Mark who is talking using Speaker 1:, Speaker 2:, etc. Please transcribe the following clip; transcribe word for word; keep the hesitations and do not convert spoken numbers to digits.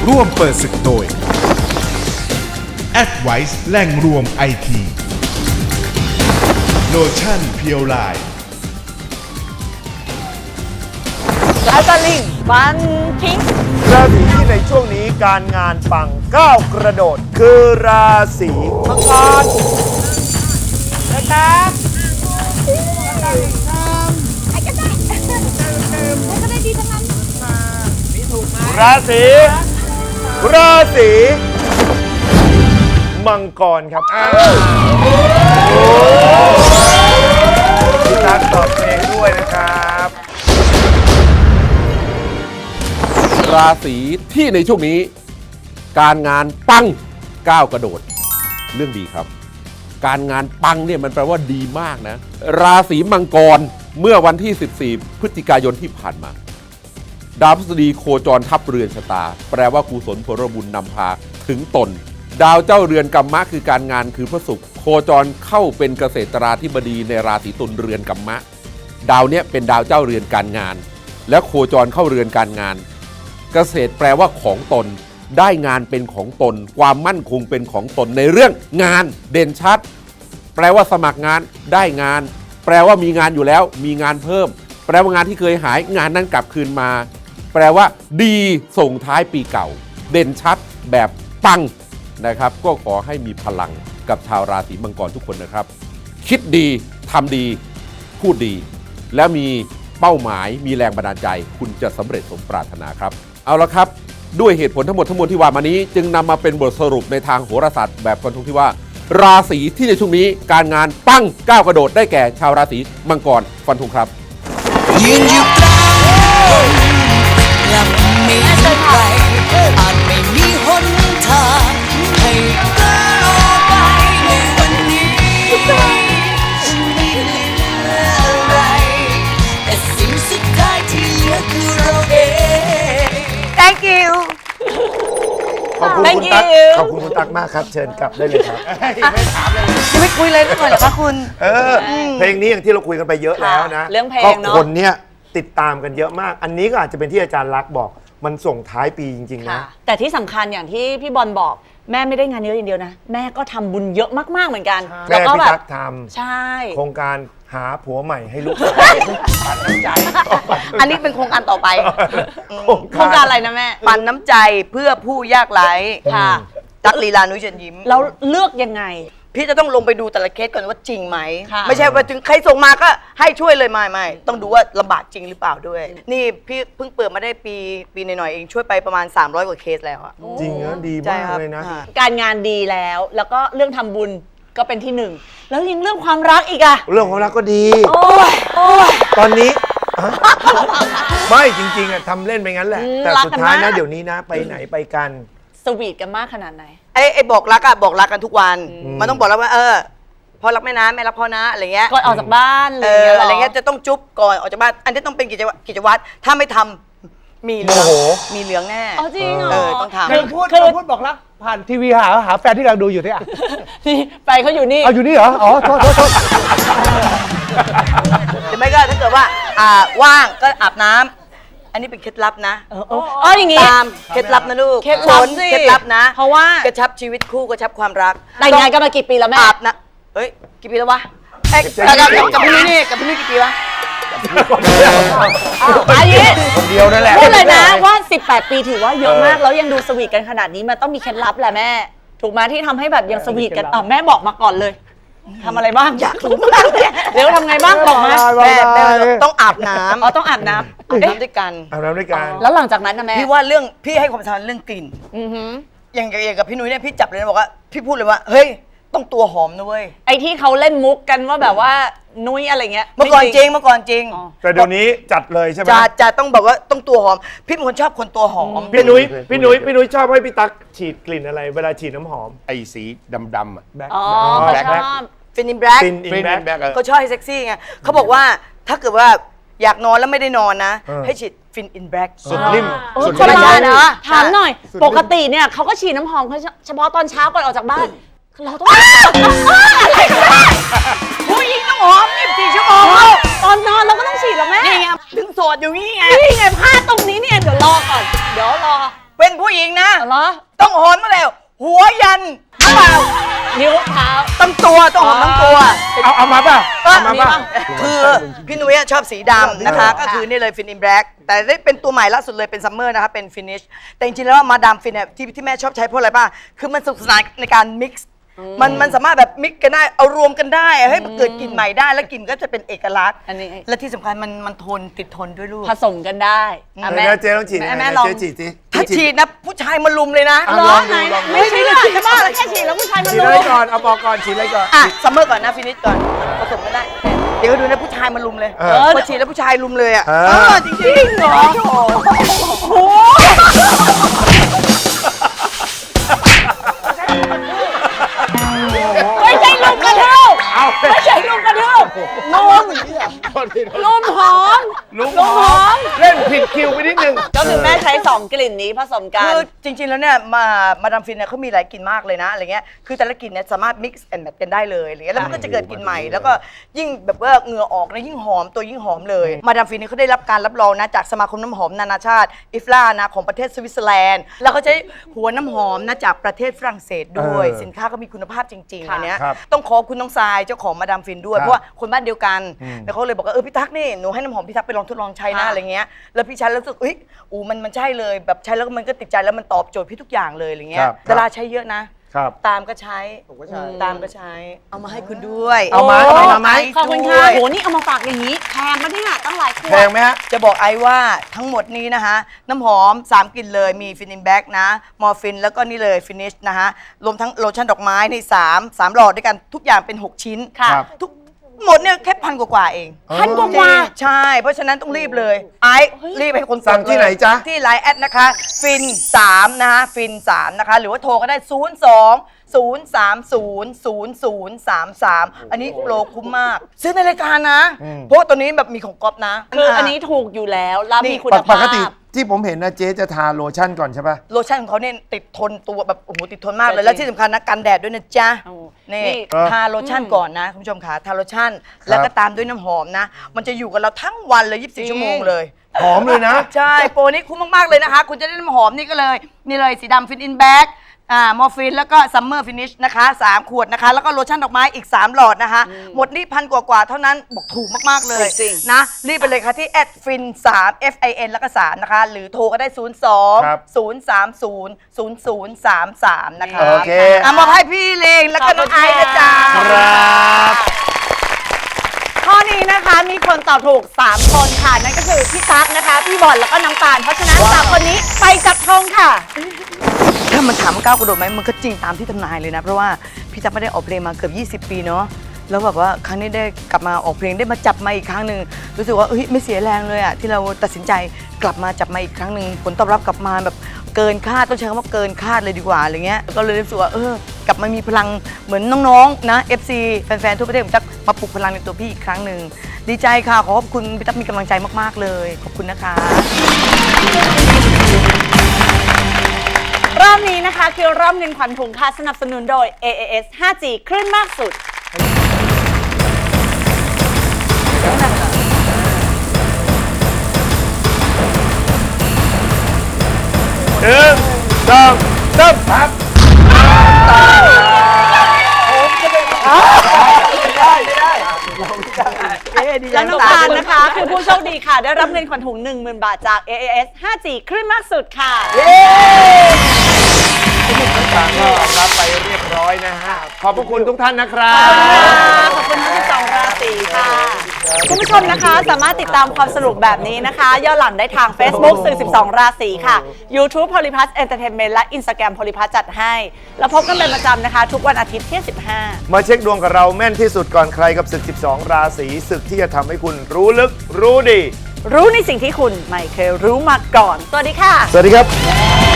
Speaker 1: ร่วมเปิดศึกโดย Advice แหล่งรวมไอทีโลชั่นเพียวไลน์
Speaker 2: แล้วก็ลิงฟันทิ้ง
Speaker 3: ราศีที่ในช่วงนี้การงานปังก้าวกระโดดคือราศีมังกร
Speaker 2: นะครับ
Speaker 4: ใครก็ได้ใครก็ได้ดีทั้งนั้น
Speaker 3: ราศีราศีมังกรครับพี่ตั๊กตอบเพลงด้วยนะครับ
Speaker 5: ราศีที่ในช่วงนี้การงานปังก้าวกระโดดเรื่องดีครับการงานปังเนี่ยมันแปลว่าดีมากนะราศีมังกรเมื่อวันที่สิบสี่พฤศจิกายนที่ผ่านมาดาวพฤษฎีโคจรทับเรือนชะตาแปลว่ากุศลผลบุญนำพาถึงตนดาวเจ้าเรือนกัมมะคือการงานคือพระศุกร์โคจรเข้าเป็นเกษตราธิบดีในราศีตุลเรือนกัมมะดาวเนี้ยเป็นดาวเจ้าเรือนการงานและโคจรเข้าเรือนการงานเกษตรแปลว่าของตนได้งานเป็นของตนความมั่นคงเป็นของตนในเรื่องงานเด่นชัดแปลว่าสมัครงานได้งานแปลว่ามีงานอยู่แล้วมีงานเพิ่มแปลว่างานที่เคยหายงานนั้นกลับคืนมาแปลว่าดีส่งท้ายปีเก่าเด่นชัดแบบปังนะครับก็ขอให้มีพลังกับชาวราศีมังกรทุกคนนะครับคิดดีทำดีพูดดีแล้วมีเป้าหมายมีแรงบันดาลใจคุณจะสำเร็จสมปรารถนาครับเอาละครับด้วยเหตุผลทั้งหมดทั้งมวลที่ว่ามานี้จึงนำมาเป็นบทสรุปในทางโหราศาสตร์แบบฟันธงที่ว่าราศีที่ในช่วงนี้การงานปังก้าวกระโดดได้แก่ชาวราศีมังกรฟันธงครับ
Speaker 6: ยืนอยู่กลางลำไม่เท่าไรอาจไม่มีหนทางให้ก้าวไปในวันนี้ฉันไม่เหลืออะไรแต่สิ่งสุดท้ายที่เหลือคือเราเอง
Speaker 2: thank you
Speaker 3: ขอบคุณคุณตั๊กขอบคุณคุณตั๊กมากครับเชิญกลับได้เลยครับไม่ถามเลย
Speaker 2: จะไม่คุยเลยหน่อยเหรอคะคุณ
Speaker 3: เออเพลงนี้อย่างที่เราคุยกันไปเยอะแล้วนะ
Speaker 2: เรื่องเพลงเนาะ
Speaker 3: คนเนี้ยติดตามกันเยอะมากอันนี้ก็อาจจะเป็นที่อาจารย์ลักษณ์บอกมันส่งท้ายปีจริงๆนะ
Speaker 2: แต่ที่สำคัญอย่างที่พี่บอลบอกแม่ไม่ได้งานเยอะอย่างเดียวนะแม่ก็ทำบุญเยอะมากๆเหมือนกัน
Speaker 3: แล้วก็แบบทำ
Speaker 2: ใช่
Speaker 3: โครงการหาผัวใหม่ให้ลูกปันน้ำใจ
Speaker 2: อันนี้เป็นโครงการต่อไปโครงการอะไรนะแม่
Speaker 7: ปันน้ำใจเพื่อผู้ยากไร้
Speaker 2: ค่ะ
Speaker 7: ตั๊กลีลานุ้ยเชิญยิ้ม
Speaker 2: เราเลือกยังไง
Speaker 7: พี่จะต้องลงไปดูแต่ละเคสก่อนว่าจริงไหมไม่ใช่ว่าถึงใครส่งมาก็ให้ช่วยเลยไม่ไม่ต้องดูว่าลำบากจริงหรือเปล่าด้วยนี่พี่เพิ่งเปิดมาได้ปีปีหน่อยๆเองช่วยไปประมาณสามร้อยกว่าเคสแล้วอะ
Speaker 3: จริงนะดีมากเลยนะ
Speaker 2: การงานดีแล้วแล้วก็เรื่องทำบุญก็เป็นที่หนึ่งแล้วยังเรื่องความรักอีกอะ
Speaker 3: เรื่องความรักก็ดี
Speaker 2: โอ้ยโอ้ย
Speaker 3: ตอนนี้ไม่จริงๆอะทำเล่นไปงั้นแหละแต่สุดท้ายนะเดี๋ยวนี้นะไปไหนไปกัน
Speaker 2: สวีทกันมากขนาดไหน
Speaker 7: ไอ้ไอ้บอกรักอะบอกรักกันทุกวันมันต้องบอกแล้วว่าเออพ่อรักแม่นะแม่รักพ่อนะอะไรเงี้ย
Speaker 2: ก่อนออกจากบ้าน
Speaker 7: เอออะไรเงี้ยจะต้องจุ๊บก่อนออกจากบ้านอันนี้ต้องเป็นกิจวัตรกิจวัตรถ้าไม่ทำมีเหลืองมีเหลืองแน่
Speaker 2: อ๋อจริงเหรอ
Speaker 7: ต้องทำ
Speaker 3: คือพูดคือพูดบอกรักผ่านทีวีหาหาแฟนที่กำลังดูอยู่ที่อ่ะ
Speaker 2: นี่ไปเขาอยู่นี่
Speaker 3: เอาอยู่นี่เหรออ๋อโทษโทษโทษ
Speaker 7: หรือไม่ก็ถ้าเกิดว่าอ่าว่างก็อาบน้ำอันนี้เป็นเคล็ดลับนะ
Speaker 2: เอออ๋ออย่างงี้
Speaker 7: ตามเคล็ดลับนะลูก
Speaker 2: เคล็ดลับสิ
Speaker 7: เคล็ดลับนะ
Speaker 2: เพราะว่าก
Speaker 7: ระชับชีวิตคู่กระชับความรัก
Speaker 2: แต่งงานกันมากี่ปีแล้วแม่
Speaker 7: อาบนะเฮ้ยกี่ปีแล้ววะเอ้ยกับพี่นี่กับพี่นี่กี่ปีวะ
Speaker 2: อันนี้
Speaker 3: คนเดียวนั่นแหละ
Speaker 2: พูดเลยนะว่าสิบแปดปีถือว่าเยอะมากแล้วยังดูสวีทกันขนาดนี้มันต้องมีเคล็ดลับแหละแม่ถูกไหมที่ทำให้แบบยังสวีทกันอ่ะแม่บอกมาก่อนเลยทำอะไรบ้าง
Speaker 7: อยากรู้มากเลย
Speaker 2: เดี๋ยวทำไงบ้างบอกมา
Speaker 7: แม่แม่ต้องอาบน้ำ
Speaker 2: อ๋อต้องอาบน้ำ
Speaker 7: อาบน้ำด้วยกัน
Speaker 3: อาบน้ำด้วยกัน
Speaker 2: แล้วหลังจากนั้นนะแม่
Speaker 7: พี่ว่าเรื่องพี่ให้ความสำคัญเรื่องกลิ่นอย่างอย่างกับพี่นุ้ยเนี่ยพี่จับเลยนะบอกว่าพี่พูดเลยว่าเฮ้ยต้องตัวหอมนะเว้ย
Speaker 2: ไอ้ที่เขาเล่นมุกกันว่าแบบว่านุ้ยอะไรเงี้ย
Speaker 7: เมื่อก่อนจริงเมื่อก่อนจริง
Speaker 3: แต่เดี๋ยวนี้จัดเลยใช่ไหม
Speaker 7: จัดจัดต้องแบบว่าต้องตัวหอมพี่เป็นคนชอบคนตัวหอม
Speaker 3: พี่นุ้ยพี่นุ้ยพี่นุ้ยชอบให้พี่ตั๊กฉีดกลิ่นอะไรเวลาฉีดน้ำหอม
Speaker 5: ไอ้สีดำๆอ่ะ
Speaker 2: อ๋อเขาชอบ
Speaker 7: ฟินอินแบล็ก
Speaker 3: ฟินอินแบล็ก
Speaker 7: เขาชอบให้เซ็กซี่ไงเขาบอกว่าถ้าเกิดว่าอยากนอนแล้วไม่ได้นอนนะให้ฉีดฟินอินแบล็ก
Speaker 3: สุดริ่ม
Speaker 2: สุดริ่มนะถามหน่อยปกติเนี่ยเขาก็ฉีดน้ำหอมเฉพาะตอนเช้าก่อนออกจากบ้านเราต้องอะไรกันแม่ผู้หญิงต้องหอมยี่สิบสี่ชั่วโมงตอนนอนเราก็ต้องฉีดหรอแม่
Speaker 7: นี่ไงถึงโสดอยู่นี่ไง
Speaker 2: นี่ไงพลาดตรงนี้เนี่ยเดี๋ยวรอก่อนเดี๋ยวรอ
Speaker 7: เว้นเป็นผู้หญิงนะ
Speaker 2: เหรอ
Speaker 7: ต้องหอมมาแล้ว หัวยันเปล่า
Speaker 2: นิ้วเท้า
Speaker 7: ตั้งตัวต้องหอมทั้งตัว
Speaker 3: เอาเอามาป่ะเอามาป่ะ
Speaker 7: คือพี่นุ้ยชอบสีดำนะคะ ก็คือนี่เลยฟินอินแบล็กแต่ได้เป็นตัวใหม่ล่าสุดเลยเป็นซัมเมอร์นะคะเป็นฟินิชแต่จริงๆแล้วมาดามฟินเนี่ยที่ที่แม่ชอบใช้เพราะอะไรป่ะคือมันสนุกสนานในการมิกซ์มันมันสามารถแบบมิกกันได้เอารวมกันได้ให้เกิดกลิ่นใหม่ได้แล้วกลิ่นก็จะเป็นเอกลักษณ์
Speaker 2: อันนี้
Speaker 7: และที่สำคัญมันมันทนติดทนด้วยลูก
Speaker 2: ผสมกันได้อ่ะ
Speaker 3: เดี๋ยวนะเจ๊ต้องฉีด
Speaker 2: แม่
Speaker 3: ยังไง
Speaker 2: แม่
Speaker 3: นะ
Speaker 2: ลอง
Speaker 3: เจ๊ฉีดสิ
Speaker 7: ถ้าฉีดนะผู้ชายมาลุมเลยนะ
Speaker 3: เอา
Speaker 2: เหร
Speaker 3: ล
Speaker 2: อ
Speaker 3: องดู
Speaker 2: ไหน
Speaker 3: ลองดู
Speaker 2: ไม่ใช่เลยจะบ้าแล้วแค่ฉีดแล้วผู้ชายมัน
Speaker 3: ฉีด
Speaker 2: รู้
Speaker 3: อะไรก่อนเอาบอกก่อนฉีดอะไรก่อน
Speaker 7: อ่ะซัมเมอร์ก่อนนะฟินิชก่อนผสมกันได้เดี๋ยวดูนะผู้ชายมาลุมเลย
Speaker 3: เออ
Speaker 7: พอฉีดแล้วผู้ชายลุมเลยอ่ะ
Speaker 3: เออ
Speaker 7: เออจริงๆจริงเหรอ
Speaker 2: ไม่ใช่ลุมกระทืบไม่ใช่ลุมกระทืบลุมลุมหอม
Speaker 3: ลุง
Speaker 2: ลุมหอม
Speaker 3: เล่นผิดคิวไปนิดนึง
Speaker 2: ก็คือแม่ใช้สองกลิ่นนี้ผสมกัน
Speaker 7: คือจริงๆ แล้วเนี่ยมามาดามฟินเนี่ยเขามีหลายกลิ่นมากเลยนะอะไรเงี้ยคือแต่ละกลิ่นเนี่ยสามารถ mix and match กันได้เลยอะไรเงี้ยแล้วมันก็จะเกิดกลิ่นใหม่แล้วก็ยิ่งแบบว่าเหงื่อออกนะยิ่งหอมตัวยิ่งหอมเลยมาดามฟินเนี่ยเขาได้รับการรับรองนะจากสมาคมน้ำหอมนานาชาติอิฟลานะของประเทศสวิตเซอร์แลนด์แล้วเขาใช้หัวน้ำหอมนะจากประเทศฝรั่งเศสด้วย
Speaker 3: เออ
Speaker 7: สินค้าก็มีคุณภาพจริงๆ
Speaker 2: ค่ะ
Speaker 7: อันเนี้ย
Speaker 3: ครับ
Speaker 7: ต้องขอบคุณน้องทรายเจ้าของมาดามฟินด้วย
Speaker 3: ครับ
Speaker 7: เพราะว่าคนบ้านเดียวกัน
Speaker 3: อืม
Speaker 7: แล้วเขาเลยบอกว่าเออพี่ตั๊กนี่หนูให้น้ำหอมพี่ตั๊กไปลองทดลองใช้นะอะไรเงี้ยแล้วพี่ใช้แล้วรู้สึกเอ้ยอูมันมันใช่เลยแบบใช้แล้วมันก็ติดใจแล้วมันตอบโจทย์พี่ทุกอย่างเลยอะไรเงี้
Speaker 3: ค
Speaker 7: ย
Speaker 3: รับ
Speaker 7: ดาราใช้เยอะนะ
Speaker 3: ครับ
Speaker 7: ตามก็ใช้ตามก็ใช้ เอามาให้คุณด้วย
Speaker 3: เอามา
Speaker 7: โ
Speaker 3: เอามาไหม
Speaker 2: ขอบคุณค่ะ
Speaker 7: ด้วย
Speaker 2: โหนี่เอามาฝากอย่างนี้แพงมาเนี่ยตั้งหลายขว
Speaker 3: แพ
Speaker 2: ด
Speaker 3: งไหมฮะ
Speaker 7: จะบอกไอ้ว่าทั้งหมดนี้นะคะน้ำหอม สาม กลิ่นเลยมีฟินินแบ็กนะมอร์ฟินแล้วก็นี่เลยฟินิชนะคะรวมทั้งโลชั่นดอกไม้ในสามสามหลอดด้วยกันทุกอย่างเป็น หก ชิ้น
Speaker 2: ค่ะ
Speaker 3: ครับ
Speaker 7: ทุกหมดเนี่ยแค่พันกว่าๆเอง
Speaker 2: พันกว่า
Speaker 7: ใช่ เพราะฉะนั้นต้องรีบเลย ไอ้รีบให้คนกด
Speaker 3: สั่งที่
Speaker 7: เลย
Speaker 3: ไหนจ๊ะ
Speaker 7: ที่ไลน์แอดนะคะฟินสามนะคะฟินสามนะคะหรือว่าโทรก็ได้ ศูนย์ สอง ศูนย์ สาม ศูนย์ ศูนย์ ศูนย์ สาม สาม อันนี้โปรคุ้มมาก ซื้อในรายการนะ เพราะว่าตัวนี้แบบมีของก๊อฟนะ
Speaker 2: คืออันนี้ถูกอยู่แล้วแล้วมีคุณ
Speaker 3: ป
Speaker 2: ภาพ
Speaker 3: กติที่ผมเห็นนะเจ๊จะทาโลชั่นก่อนใช่ป่ะ
Speaker 7: โลชั่นของเขาเนี่ยติดทนตัวแบบโอ้โหติดทนมากเล
Speaker 2: จริ
Speaker 7: ย
Speaker 2: ง
Speaker 7: และที่สำคัญนะกันแดดด้วยนะจ๊ะ
Speaker 2: โอ้
Speaker 7: นี่
Speaker 2: นี่
Speaker 7: ทาโลชั่นก่อนนะคุณผู้ชมค่ะทาโลชั่น แล้วก็ตามด้วยน้ำหอมนะ มันจะอยู่กับเราทั้งวันเลย ยี่สิบสี่ ชั่วโมงเลย
Speaker 3: หอมเลยนะ
Speaker 7: ใช่ โปรนี้คุ้มมาก ๆ เลยนะคะ คุณจะได้น้ำหอมนี่ก็เลย นี่เลยสีดำฟินอินแบ็กอ่ามอร์ฟินแล้วก็ซัมเมอร์ฟินิชนะคะสามขวดนะคะ แล้วก็โลชั่นดอกไม้อีก สาม หลอดนะคะ หมดนี่พันกว่าๆเท่านั้นบอกถูกมาก ๆ เลย
Speaker 2: จริง
Speaker 7: นะ รีบไปเลยค่ะที่แอดฟินสาม F I N แล้วก็สามนะคะ หรือโทรก็ได้ ศูนย์ สอง
Speaker 3: ครับ
Speaker 7: ศูนย์ สาม ศูนย์ ศูนย์ ศูนย์ สาม สาม นะคะ
Speaker 3: โอเค
Speaker 7: อ่ะมอบให้พี่เลงแล้วก็น้องไอซ์นะจ๊ะ
Speaker 3: ครับ
Speaker 2: ข้อนี้นะคะมีคนตอบถูก สาม คนค่ะ นั่นก็คือพี่ตั๊กนะคะ พี่บอลแล้วก็น้ำตาล เพราะฉะนั้นสามคนนี้ไปจับทองค่ะ
Speaker 7: ถ้ามันถามว่าก้าวกระโดดไหมมันก็จริงตามที่ทำนายเลยนะ เพราะว่าพี่ตั๊กไม่ได้ออกเพลงมาเกือบ ยี่สิบ ปีเนาะแล้วแบบว่าครั้งนี้ได้กลับมาออกเพลงได้มาจับมาอีกครั้งหนึ่งรู้สึกว่าเฮ้ยไม่เสียแรงเลยอะที่เราตัดสินใจกลับมาจับมาอีกครั้งหนึ่งผลตอบรับกลับมาแบบเกินคาดต้องใช้คำว่าเกินคาดเลยดีกว่าอะไรเงี้ยก็เลยรู้สึกว่าเออกลับมามีพลังเหมือนน้องๆนะ เอฟ ซี แฟนๆทั่วประเทศผมจะมาปลุกพลังในตัวพี่อีกครั้งหนึ่งดีใจค่ะขอขอบคุณพี่ตั๊กมีกำลังใจมากๆเลยขอบคุณนะคะ
Speaker 2: รอบนี้นะคะคือรอบเงินขวัญถุงค่ะสนับสนุนโดย เอ เอ เอส ห้าจี คลื่นมากสุด
Speaker 3: หนึ่งสองสามครับ
Speaker 2: และน้องตาลนะคะ คือผู้โชคดีค่ะ ได้รับเงินขวัญถุง หนึ่งหมื่น บาทจาก เอ เอ เอส ห้าจี คลื่นมากสุดค่ะ
Speaker 3: ต่างก็รับไปเรียบร้อยนะฮะ ขอบพระคุณทุกท่านนะครับ
Speaker 2: ขอบคุณทั้งสิบสองราศีค่ะ คุณผู้ชมนะคะสามารถติดตามความสนุกแบบนี้นะคะย้อนหลังได้ทาง Facebook สื่อ สิบสอง ราศีค่ะ YouTube Polyplus Entertainment และ Instagram Polyplus จัดให้ แล้วพบกันเป็นประจำนะคะ ทุกวันอาทิตย์ที่สิบห้า
Speaker 3: มาเช็คดวงกับเราแม่นที่สุดก่อนใครกับศึก สิบสอง ราศีศึกที่จะทำให้คุณรู้ลึกรู้ดี
Speaker 2: รู้ในสิ่งที่คุณไม่เคยรู้มาก่อน สวัสดีค่ะ
Speaker 3: สวัสดีครับ